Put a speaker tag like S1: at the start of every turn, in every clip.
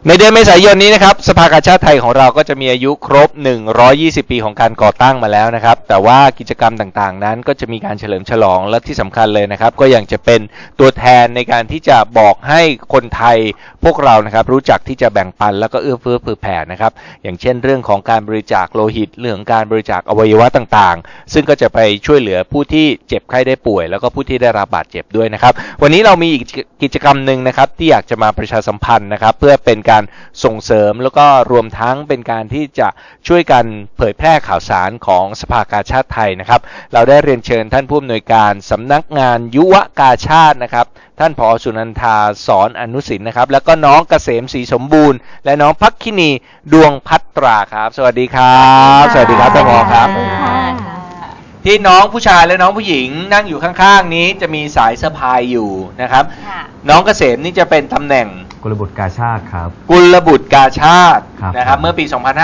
S1: ในเดือนเมษายนนี้นะครับสภากาชาดไทยของเราก็จะมีอายุครบ120ปีของการก่อตั้งมาแล้วนะครับแต่ว่ากิจกรรมต่างๆนั้นก็จะมีการเฉลิมฉลองและที่สำคัญเลยนะครับก็ยังจะเป็นตัวแทนในการที่จะบอกให้คนไทยพวกเรานะครับรู้จักที่จะแบ่งปันแล้วก็เอื้อเฟื้อเผื่อแผ่นะครับอย่างเช่นเรื่องของการบริจาคโลหิตเรื่องของการบริจาคอวัยวะต่างๆซึ่งก็จะไปช่วยเหลือผู้ที่เจ็บไข้ได้ป่วยแล้วก็ผู้ที่ได้รับบาดเจ็บด้วยนะครับวันนี้เรามีอีกกิจกรรมหนึ่งนะครับที่อยากจะมาประชาสัมพันธ์นะครับเพื่อเป็นการส่งเสริมแล้วก็รวมทั้งเป็นการที่จะช่วยกันเผยแพร่ข่าวสารของสภากาชาดไทยนะครับเราได้เรียนเชิญท่านผู้อำนวยการสำนักงานยุวกาชาดนะครับท่านผอ.สุนันทาสอนอนุสินนะครับแล้วก็น้องเกษมศรีสมบูรณ์และน้องภักคินีดวงพัตราครับสวัสดีครับสวัสดีครับท่านผอ.ครับที่น้องผู้ชายและน้องผู้หญิงนั่งอยู่ข้างๆนี้จะมีสายสะพายอยู่นะครับน้องเกษมนี่จะเป็นตำแหน่ง
S2: กุลบุตรกาชาดครับ
S1: กุลบุตรกาชาดนะครับเมื่อปี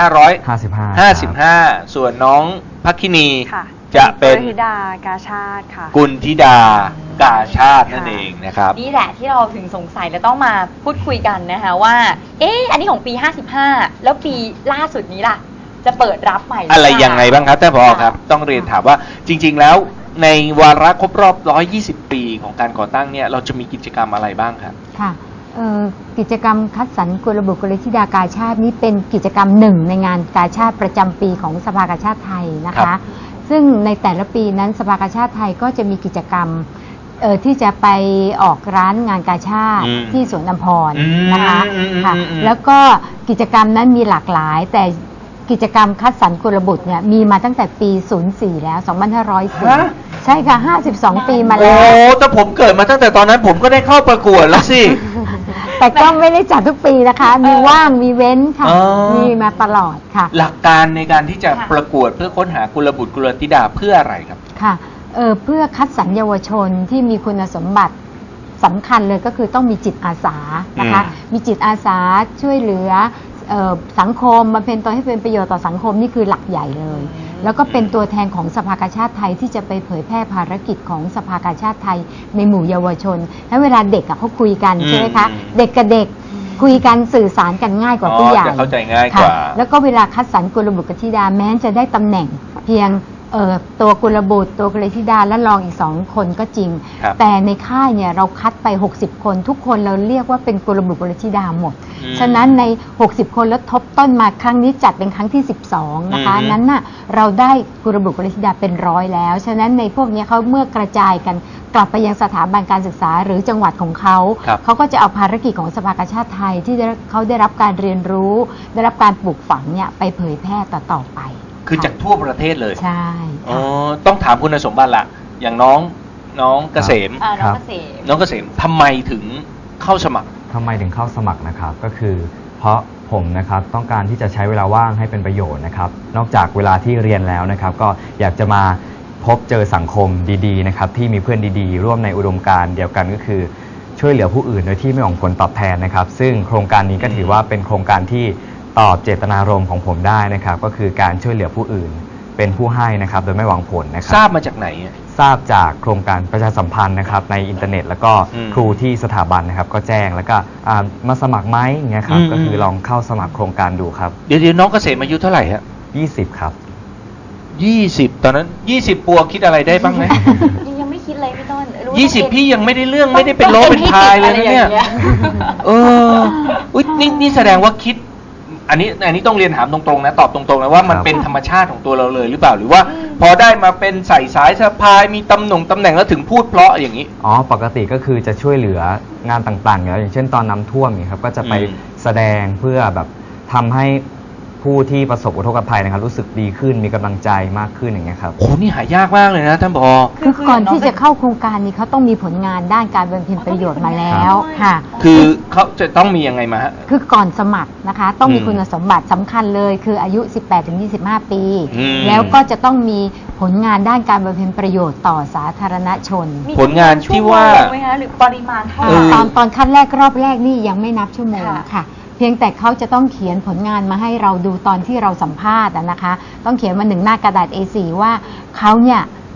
S1: 2555ส่วนน้องภักคินีจะเป็น
S3: กุลธิดากาชาดค่ะ
S1: กุลธิดากาชาดนั่นเองนะครับ
S4: นี่แหละที่เราถึงสงสัยและต้องมาพูดคุยกันนะคะว่าอันนี้ของปี55แล้วปีล่าสุดนี้ล่ะจะเปิดรับใหม่
S1: อะไรยังไงบ้างครับท่านผอ.ครับต้องเรียนถามว่าจริงๆแล้วในวาระครบรอบ120ปีของการก่อตั้งเนี่ยเราจะมีกิจกรรมอะไรบ้างครับ
S5: ค่ะกิจกรรมคัดสรรกุลบุตรกุลธิดากาชาดนี้เป็นกิจกรรมหนึ่งในงานกาชาดประจำปีของสภากาชาดไทยนะคะซึ่งในแต่ละปีนั้นสภากาชาดไทยก็จะมีกิจกรรมที่จะไปออกร้านงานกาชาดที่สวนอัมพรนะคะค่ะแล้วก็กิจกรรมนั้นมีหลากหลายแต่กิจกรรมคัดสรรกุลบุตรเนี่ยมีมาตั้งแต่ปี04แล้ว2504ใช่ค่ะ52ปีมาแล้ว
S1: โอ้แต่ผมเกิดมาตั้งแต่ตอนนั้นผมก็ได้เข้าประกวดแล้วสิ
S5: แต่ก็ไม่ได้จัดทุกปีนะคะมีว่างมีเว้นค่ะมีมาตลอดค่ะ
S1: หลักการในการที่จะประกวดเพื่อค้นหากุลบุตรกุลธิดาเพื่ออะไรครับ
S5: ค่ะเพื่อคัดสรรเยาวชนที่มีคุณสมบัติสำคัญเลยก็คือต้องมีจิตอาสานะคะมีจิตอาสาช่วยเหลือสังคมมาเป็นตัวให้เป็นประโยชน์ต่อสังคมนี่คือหลักใหญ่เลยแล้วก็เป็นตัวแทนของสภากาชาดไทยที่จะไปเผยแพร่ภารกิจของสภากาชาดไทยในหมู่เยาวชนแล้วเวลาเด็กเขาคุยกันใช่ไหมคะเด็กกับเด็กคุยกันสื่อสารกันง่ายกว่าผู้ใหญ่
S1: จะเข้าใจง่ายกว่า
S5: แล้วก็เวลาคัดสรรกุลบุตรกุลธิดาแม้จะได้ตำแหน่งเพียงตัวกุลบุตรตัวกุลธิดาและรองอีก2คนก็จริงแต่ในค่ายเนี่ยเราคัดไป60คนทุกคนเราเรียกว่าเป็นกุลบุตรกุลธิดาหมดฉะนั้นใน60คนแล้วทบต้นมาครั้งนี้จัดเป็นครั้งที่12นะคะนั้นน่ะเราได้กุลบุตรกุลธิดาเป็น100แล้วฉะนั้นในพวกนี้เขาเมื่อกระจายกันกลับไปยังสถาบันการศึกษาหรือจังหวัดของเขาก็จะเอาภารกิจของสภากาชาดไทยที่เขาได้รับการเรียนรู้ได้รับการปลูกฝังเนี่ยไปเผยแพร่ต่อไป
S1: คือจากทั่วประเทศเลย
S5: ใช่
S1: ต้องถามคุณสมบัติละอย่างน้องเกษมน้องเกษมทำไมถึงเข้าสมัคร
S2: นะครับก็คือเพราะผมนะครับต้องการที่จะใช้เวลาว่างให้เป็นประโยชน์นะครับนอกจากเวลาที่เรียนแล้วนะครับก็อยากจะมาพบเจอสังคมดีๆนะครับที่มีเพื่อนดีๆร่วมในอุดมการณ์เดียวกันก็คือช่วยเหลือผู้อื่นโดยที่ไม่หวังผลตอบแทนนะครับซึ่งโครงการนี้ก็ถือว่าเป็นโครงการที่ตอบเจตนารมณ์ของผมได้นะครับก็คือการช่วยเหลือผู้อื่นเป็นผู้ให้นะครับโดยไม่หวังผลนะครับ
S1: ทราบมาจากไหน
S2: ทราบจากโครงการประชาสัมพันธ์นะครับในอินเทอร์เน็ตแล้วก็ครูที่สถาบันนะครับก็แจ้งแล้วก็มาสมัครไหมอย่างเงี้ยครับก็คือลองเข้าสมัครโครงการดูครับ
S1: เดี๋ยวน้องเกษมอายุเท่าไหร่ฮะ
S2: 20ครับ
S1: 20ตอนนั้น20ปัวคิดอะไรได้บ้างไหม
S4: ยังไม่คิดเลยพี่ต้น
S1: 20พี่ยังไม่ได้เรื่องไม่ได้เป็นโลเป็นพายเลยนะเนี่ยนี่แสดงว่าคิดอันนี้ต้องเรียนถามตรงๆนะตอบตรงๆนะว่ามันเป็นธรรมชาติของตัวเราเลยหรือเปล่าหรือว่าพอได้มาเป็นใส่สายสะพายมีตำแหน่งแล้วถึงพูดเพราะอย่างนี้
S2: ปกติก็คือจะช่วยเหลืองานต่างๆอย่างเช่นตอนน้ำท่วมนี่ครับก็จะไปแสดงเพื่อแบบทำให้ผู้ที่ประสบอุทกภัยนะครับรู้สึกดีขึ้นมีกำลังใจมากขึ้นอย่างเงี้ยครับ
S1: โอ้นี่หายากมากเลยนะท่านผอ.
S5: คือก่อนที่จะเข้าโครงการนี้เขาต้องมีผลงานด้านการบำเพ็ญประโยชน์มาแล้วค่ะ
S1: คือเขาจะต้องมียังไงมาฮะ
S5: คือก่อนสมัครนะคะต้องมีคุณสมบัติสำคัญเลยคืออายุ 18-25 ปีแล้วก็จะต้องมีผลงานด้านการบำเพ็ญประโยชน์ต่อสาธารณชน
S1: ผลงานที่ว่า
S4: หรือปริมาณเท่าไหร่
S5: ตอนขั้นแรกรอบแรกนี่ยังไม่นับชั่วโมงค่ะเพียงแต่เขาจะต้องเขียนผลงานมาให้เราดูตอนที่เราสัมภาษณ์นะคะต้องเขียนมา1 หน้ากระดาษ A4 ว่าเขาเนี่ย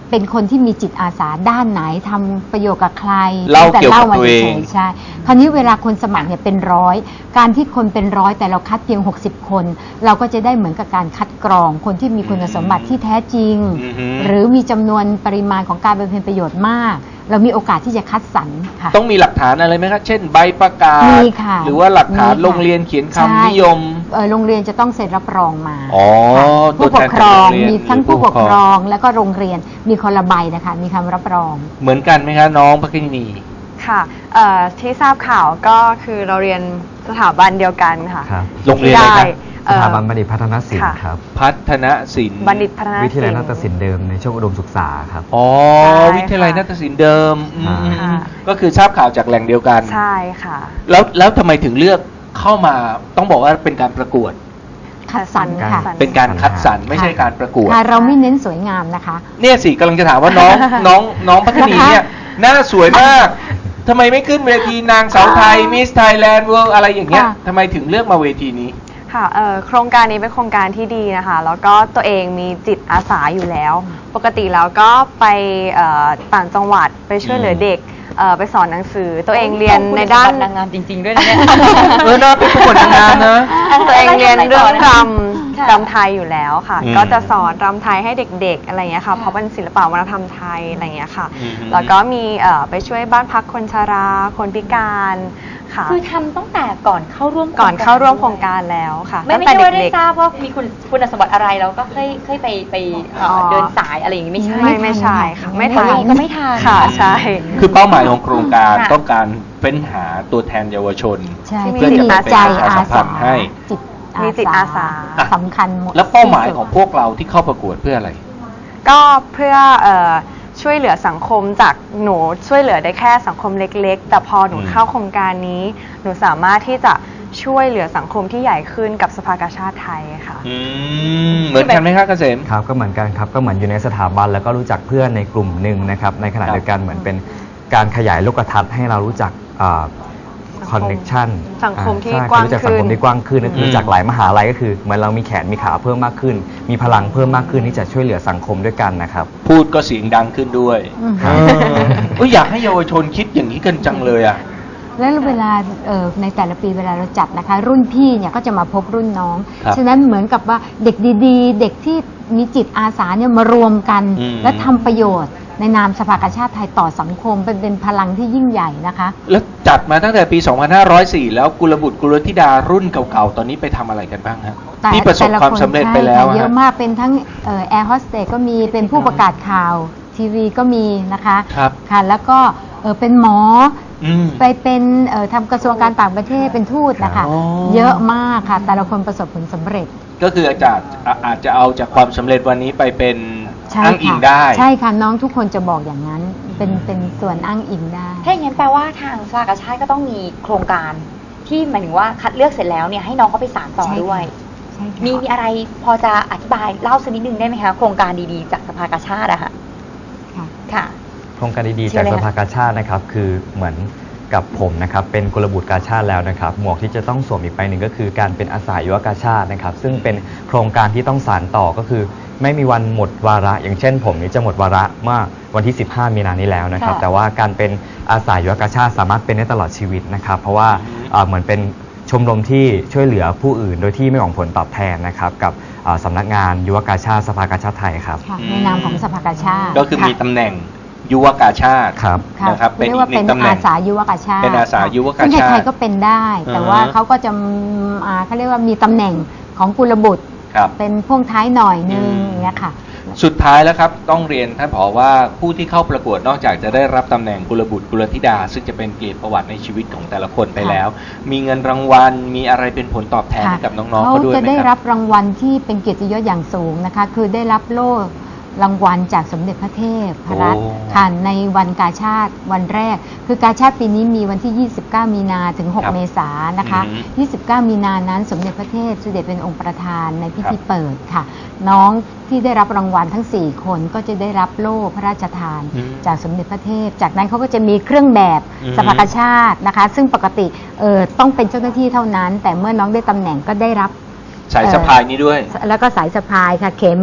S5: เป็นคนที่มีจิตอาสาด้านไหนทำประโยชน์กับใคร
S1: เล่าเกี่ยวกับ
S5: มา
S1: ตัวเอง
S5: ฉยๆใช่คราวนี้เวลาคนสมัครเนี่ยเป็นร้อยการที่คนเป็นร้อยแต่เราคัดเพียง 60 คน เราก็จะได้เหมือนกับการคัดกรองคนที่มีคุณสมบัติที่แท้จริง
S1: อือฮึ
S5: หรือมีจำนวนปริมาณของการบำเพ็ญประโยชน์มาก เรามีโอกาสที่จะคัดสรรค่ะ
S1: ต้องมีหลักฐานอะไรไหมครับเช่นใบประกาศ
S5: มีค่ะ
S1: หรือว่าหลักฐาน
S5: มีค่ะ
S1: โรงเรียนเขียน
S5: ใช่
S1: คำนิยม
S5: โรงเรียนจะต้องเซ็นรับรองมา
S1: อ๋อ
S5: ค่ะ
S1: ตั
S5: ผู้
S1: ว
S5: ป
S1: แท
S5: ก
S1: น
S5: ครอง
S1: จากโรงเรียน
S5: มีทั้ง
S1: หรือผู้
S5: ผู้ป
S1: ป
S5: ก
S1: กค
S5: ค
S1: ร
S5: ร
S1: อ
S5: อง งแล้วก็โรงเรียนมีคนละใบนะคะมีคำรับรอง
S1: เหมือนกันไหมคะน้องพักกินี
S3: ค่ะที่ทราบข่าวก็คือเราเรียนสถาบันเดียวกันค่ะ
S2: ครับ
S1: โรงเรียนอะไรครับ
S2: สถาบันบัณฑิตพัฒนศิลป์
S3: ค่ะ
S2: ครับ
S1: พัฒนศิลป์
S3: บัณฑิตพัฒนศิลป์
S2: วิทยาลัยนาฏศิลป์เดิมในช่วงอุดมศึกษาครับ
S1: อ๋อ
S3: ใช่ค่ะ
S1: วิทยาลัยนาฏศิลป์เดิมอืม
S3: ค่ะ
S1: ก็คือทราบข่าวจากแหล่งเดียวกัน
S3: ใช่ค่ะ
S1: แล้วทำไมถึงเลือกเข้ามาต้องบอกว่าเป็นการประกวด
S5: คัดสรรค่ะ
S1: เป็นการคัดสรรไม่ใช่การประกวด
S5: ค่ะเราไม่เน้นสวยงามนะคะ
S1: เนี่ยสิกำลังจะถามว่าน้องพัฒนีเนี่ยหน้าสวยมากทำไมไม่ขึ้นเวทีนางสาวไทยมิสไทยแลนด์เวิลด์อะไรอย่างเงี้ย
S5: ค่ะ
S1: ทำไมถึงเลือกมาเวทีนี้
S3: ค่ะโครงการนี้เป็นโครงการที่ดีนะคะ แล้วก็ตัวเองมีจิตอาสาอยู่แล้ว ปกติแล้วก็ไปต่างจังหวัดไปช่วยเหลือเด็กไปสอนหนังสือ ตัวเองเรียนในด้าน
S4: นางงามจริง ๆ ด้วยนะเนี่ย
S1: น่าเป็นประกวดนางงามนะ
S3: ตัวเองเรียนเรื่องร
S4: ค่ะ
S3: ำไทยอยู่แล้วค่ะ
S1: อืม
S3: ก็จะสอนรำไทยให้เด็กๆอะไรอย่างเงี้ยค่ะ เพราะเป็นศิลปะวัฒนธรรมไทยอะไรอย่างเงี้ยค่ะ
S1: อืม
S3: แล้วก็มีไปช่วยบ้านพักคนชราคนพิการค่ะ
S4: คือทำตั้งแต่ก่อนเข้าร่วม
S3: ก่อนเข้าร่วมโครงการแล้วค่ะ
S4: ไม่
S3: ตั้ง
S4: ใช่
S3: แต่
S4: ว่าได้
S3: เด็ก
S4: ทราบว่ามีคุณสมบัติอะไรแล้วก็เคยไปเดินสายอะไรอย่างงี้ไม่ใช่
S3: ไม่ใช่ค่ะไม่
S4: ตัว
S3: ทัน
S4: เองก็ไม่ทัน
S3: ค่ะใช่
S1: คือเป้าหมายของโครงการ
S4: ค่ะ
S1: ต้องการเฟ้นหาตัวแทนเยาวชน
S5: ใช่
S3: ที่มี
S5: ที่มี
S3: จิตอาสา
S5: ใจอา
S1: ประชาสัมพั
S5: สาน
S1: ธ์ให้
S3: มีจิตอาสา
S5: สำคัญหมด
S1: แล้วเป้าหมายของพวกเราที่เข้าประกวดเพื่ออะไร
S3: ก็เพื่อช่วยเหลือสังคมจากหนูช่วยเหลือได้แค่สังคมเล็กๆ แต่พอหนู
S1: อืม
S3: เข้าโครงการนี้ หนูสามารถที่จะช่วยเหลือสังคมที่ใหญ่ขึ้นกับสภากาชาติไทยค่ะ
S1: เหมือนกันไหมครับเกษม
S2: ครับก็เหมือนกันครับก็เหมือนอยู่ในสถาบันแล้วก็รู้จักเพื่อนในกลุ่มหนึ่งนะครับในขณะ
S1: ครับ
S2: เดียวกันเหมือนเป็นการขยายโลกทัศน์ให้เรารู้จักคอนเนคชั่น
S3: สังคมที่กว้าง
S2: รู้จักสังคม
S3: ขึ้น
S2: ที่กว้างขึ้นก็คือรู้จักหลายมหาลัยก็คือเหมือนเรามีแขนมีขาเพิ่มมากขึ้น มีพลังเพิ่มมากขึ้นที่จะช่วยเหลือสังคมด้วยกันนะครับ
S1: พูดก็เสียงดังขึ้นด้วย
S5: อืม
S1: อยากให้เยาวชนคิดอย่างนี้กันจังเลยอ่ะ
S5: แล้วเวลาในแต่ละปีเวลาเราจัดนะคะ รุ่นพี่เนี่ยก็จะมาพบรุ่นน้อง
S1: ครับ
S5: ฉะนั้นเหมือนกับว่าเด็กดีๆ เด็กที่มีจิตอาสาเนี่ยมารวมกัน
S1: อืม
S5: และทำประโยชน์ในนามสภากาชาติไทยต่อสังคมเป็นพลังที่ยิ่งใหญ่นะคะ
S1: แล้วจัดมาตั้งแต่ปี 2504 แล้วกุลบุตรกุลธิดารุ่นเก่าๆ ตอนนี้ไปทำอะไรกันบ้างฮะ
S5: แต่
S1: ที่ประสบ
S5: แต่ละ
S1: ความ
S5: คน
S1: สำเร็จ
S5: ใช่
S1: ไปแล้ว
S5: ค่ะเยอะ
S1: ฮะ
S5: มากเป็นทั้งแอร์โฮสเตสก็มีเป็นผู้ประกาศข่าวทีวีก็มีนะคะ
S1: ครับ
S5: ค่ะแล้วก็เป็นหมอ
S1: อืม
S5: ไปเป็นทำกระทรวงการต่างประเทศเป็นทูตนะคะ
S1: อ๋อ
S5: เยอะมากค่ะ แต่ละคนประสบผลสำเร็จ
S1: ก็คืออาจจะเอาจากความสำเร็จวันนี้ไปเป็น
S5: ใช่
S1: อ้างอิ
S5: ค่ะ
S1: งได้
S5: ใช่ค่ะน้องทุกคนจะบอกอย่างนั้นเป็นส่วนอ้างอิงได้
S4: ถ้าอย่างนั้นแปลว่าทางสภากาชาติก็ต้องมีโครงการที่หมายถึงว่าคัดเลือกเสร็จแล้วเนี่ยให้น้องเขาไปสานต่อ
S5: ใช่ค่ะ
S4: ด้วย
S5: ใช่ค่ะ
S4: มีอะไรพอจะอธิบายเล่าสักนิดนึงได้ไหมคะโครงการดีๆจากสภากาชาติอะค่ะ
S5: ค่ะ
S4: ค่ะ
S2: โครงการดีๆ
S4: เชิ
S2: จา
S4: ญ
S2: ก
S4: เลย
S2: ส
S4: ค่ะ
S2: ภากาชาตินะครับคือเหมือนกับผมนะครับเป็นกุลบุตรกาชาติแล้วนะครับหมวกที่จะต้องสวมอีกใบหนึ่งก็คือการเป็นอาสายุวกาชาตินะครับซึ่งเป็นโครงการที่ต้องสานต่อก็คือไม่มีวันหมดวาระ อย่างเช่นผมนี้จะหมดวาระเมื่อวันที่ 15 มีนานี้แล้วนะครับ
S4: ค่ะ
S2: แต่ว่าการเป็นอาสายุวกาชาติสามารถเป็นได้ตลอดชีวิตนะครับเพราะว่าเหมือนเป็นชมรมที่ช่วยเหลือผู้อื่น โดยที่ไม่หวังผลตอบแทนนะครับกับสำนักงานยุวกาชาติสภากาชาติไทยครับ
S5: ค่ะในนามของสภากาชาติ
S1: ก็คือมีตำแหน่งยุวกาชาติ
S2: ครับ
S5: ค่ะ
S1: นะครับเป็น
S5: เรีย
S1: อี
S5: กว่าก
S1: หนึ่
S5: เป็น
S1: งตำแหน่
S5: อาง สายุวกาชาติ
S1: เป็นอาสายุวกาชาติ
S5: ซึ่งใครๆก็เป็นได้ แต่ว่าเขาก็จะเขาเรียกว่ามีตำแหน่งของกุลบุตร
S1: ครับ
S5: เป็นพ่วงท้ายหน่อยนึง
S1: อืม
S5: อย่างเงี้ยค่ะ
S1: สุดท้ายแล้วครับต้องเรียนท่านผอว่าผู้ที่เข้าประกวดนอกจากจะได้รับตำแหน่งกุลบุตรกุลธิดา ซึ่งจะเป็นเกียรติประวัติในชีวิตของแต่ละคนไปแล้ว มีเงินรางวัลมีอะไรเป็นผลตอบแทนให้กับน้องๆเขาด้วย
S5: จะ
S1: ไหม
S5: ได้
S1: ค
S5: รั
S1: รั
S5: บบ รางวัลที่เป็นเกียรติยศอย่างสูงนะคะ คือได้รับโล่รางวัลจากสมเด็จพระเทพรัตน์
S1: โอ้
S5: ค่ะในวันกาชาติวันแรก คือกาชาติปีนี้มีวันที่ 29 มีนาถึง
S1: ครับ
S5: 6 เมษายนนะคะ 29 มีนานั้นสมเด็จพระเทพเสด็จเป็นองค์ประธานในพิธีเปิดค่ะ น้องที่ได้รับรางวัลทั้ง 4 คนก็จะได้รับโล่พระราชทาน
S1: อืม
S5: จากสมเด็จพระเทพ จากนั้นเขาก็จะมีเครื่องแบบ
S1: อืม
S5: สภากาชาตินะคะ ซึ่งปกติต้องเป็นเจ้าหน้าที่เท่านั้น แต่เมื่อน้องได้ตำแหน่งก็ได้รับ
S1: สายสะพายนี้ด้วย
S5: แล้วก็สายสะพายค่ะเข็ม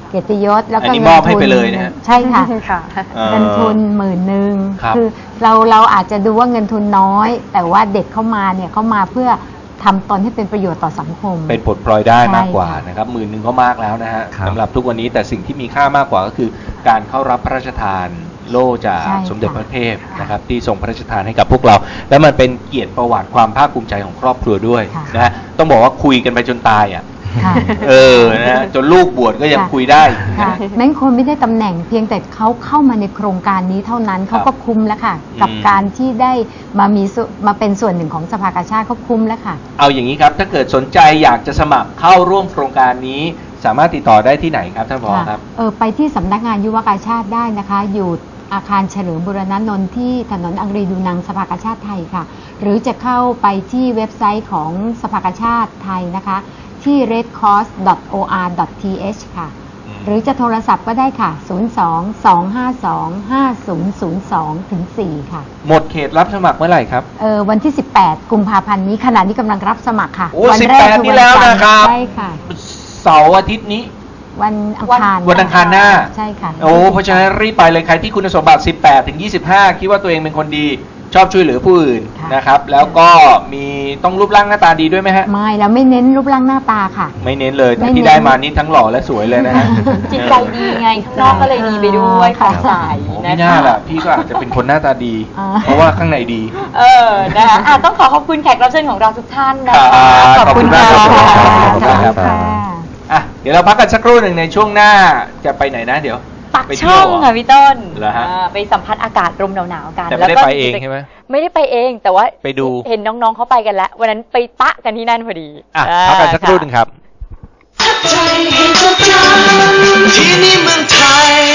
S5: เกียรติยศแล้ว
S1: อัน
S5: ก็
S1: นี้
S5: เงิ
S1: มอบ
S5: น
S1: ให้
S5: ทุน
S1: ไปเลยนะฮะ
S5: ใช่ค่ะ
S3: ค่ะ
S5: เงินทุน10,000
S1: ครับ
S5: คือเราอาจจะดูว่าเงินทุนน้อย แต่ว่าเด็กเข้ามาเนี่ยเขามาเพื่อทำตนให้เป็นประโยชน์ต่อสังคม
S1: เป็นปลดปล่อยได้มากกว่า
S5: ใช่ค่ะ
S1: นะครับ10,000ก็มากแล้วนะฮะ
S2: ครับ
S1: สำหรับทุกวันนี้แต่สิ่งที่มีค่ามากกว่าก็คือการเข้ารับพระราชทานโล่จาก
S5: ใช่ค่ะ
S1: สมเด็จพระเทพนะครับที่ทรงพระราชทานให้กับพวกเรา และมันเป็นเกียรติประวัติความภาคภูมิใจของครอบครัวด้วย
S5: ค่ะ
S1: นะฮะต้องบอกว่าคุยกันไปจนตายอ่ะ
S5: ค่ะ
S1: นะจนลูกบวชก็ยังคุยได้
S5: ค่ะแม้คนไม่ได้ตำแหน่งเพียงแต่เขาเข้ามาในโครงการนี้เท่านั้นเขาก็คุ้มแล้วค่ะ กับการที่ได้มาเป็นส่วนหนึ่งของสภากาชาติเขาคุ้มแล้วค่ะ
S1: เอาอย่างนี้ครับถ้าเกิดสนใจอยากจะสมัครเข้าร่วมโครงการนี้ สามารถติดต่อได้ที่ไหนครับท่านผอครับ
S5: ไปที่สำนักงานยุวกาชาติได้นะคะ อยู่อาคารเฉลิมบุรณนนท์ที่ถนนอังรีดูนังสภากาชาติไทยค่ะ หรือจะเข้าไปที่เว็บไซต์ของสภากาชาติไทยนะคะ ที่ redcross.or.th ค่ะ หรือจะโทรศัพท์ก็ได้ค่ะ 02-252-5002-4 ค่ะ
S1: หมดเขตรับสมัครเมื่อไหร่ครับ
S5: วันที่ 18 กุมภาพันธ์นี้ขณะนี้กำลังรับสมัครค่ะ
S1: โอ้
S5: วัแรก
S1: 18
S5: คือ
S1: นี่แล้ว
S5: จัท
S1: นะครับ
S5: ใช่ค่ะ
S1: เสาร์อาทิตย์นี้
S5: วันอังคาร
S1: วันอังคารหน้า
S5: ใช่ค่ะ
S1: โอ้เพราะฉะนั้นรีบไปเลยใครที่คุณสมบัติ18ถึง25คิดว่าตัวเองเป็นคนดีชอบช่วยเหลือผู้อื่น
S5: ค่ะ
S1: นะครับแล้วก็มีต้องรูปร่างหน้าตาดีด้วยไหมฮะ
S5: ไม่เราไม่เน้นรูปร่างหน้าตาค่ะ
S1: ไม่เน้นเลยแต่
S5: ไม่เน้น
S1: ที่ได้มานี่ทั้งหล่อและสวยเลยนะฮะ
S4: จิตใจดีไงข้างนอกก็เลยดีไปด้วยผ่องใส
S1: โอ้
S4: นะ
S1: ไม่น่า
S4: คะ
S1: ล่ะพี่ก็อาจจะเป็นคนหน้าตาดี
S5: อ่า
S1: เพราะว่าข้างในดี
S4: นะคะต้องขอบคุณแขกรับเชิญของเราทุกท่านนะ
S1: ครั
S4: คะ
S1: บขอบคุณมากครับ
S5: ขอบคุณค่ะ
S1: อ่ะเดี๋ยวเราพักกันสักครู่หนึ่งในช่วงหน้าจะไปไหนนะเดี๋ยว
S4: ปัก
S1: ไปเที่
S4: ช่
S1: ย
S4: อ
S1: ว
S4: ง
S1: เหรอ
S4: ค่ะพี่ต้น
S1: เหรอฮะ
S4: ไปสัมผัสอากาศลมหนาวๆกัน
S1: แต่ไม่ได้ไปเองใช่ไหม
S4: ไม่ได้ไปเองแต่ว่า
S1: ไปดู
S4: เห็นน้องๆเขาไปกันแล้ว วันนั้นไปปะกันที่นั่นพอดี
S1: อ่ะพักกันสักครู่หนึ่งครับ
S6: ที่นี่เมืองไทย